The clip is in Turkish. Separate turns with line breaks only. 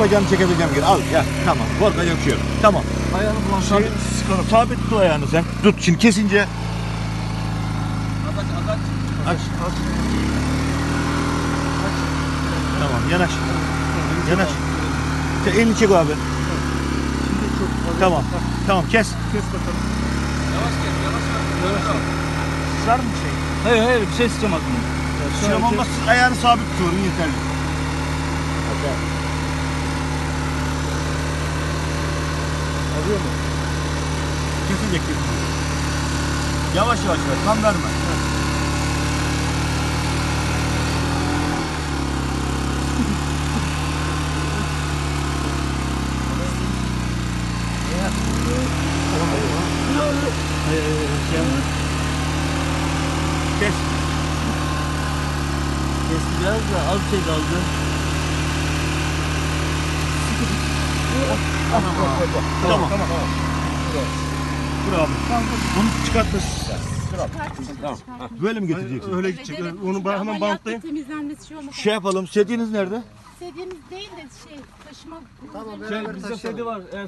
bacağını çekebileceğim gibi. Al ya. Tamam. Korkacak bir şey yok. Tamam.
Ayağını bulan
Sabit tut ayağını sen. Tut şimdi kesince. Aç. Tamam yanaş. Yanaş. Sen elini çek abi. Tamam. Tamam kes.
Kes bakalım.
Sar mı şey?
Hayır hayır bir şey isteyeceğim aklımda.
Sıram olmaz. Ayağını sabit tutuyorum yeterli.
Alıyor mu?
Kesince kesin. Yavaş yavaş ver. Tam verme. Kes.
Kesti biraz da az şey kaldı.
Tamam. Dur abi. Bunu çıkartır. Böyle mi getireceksin?
Öyle gidecek. Onu ben hemen bantlayayım.
Temizlenmesi şey olmaz.
Şey yapalım. Sediğiniz nerede?
İstediğimiz değil de taşıma.
Bizde sedi var. Eğer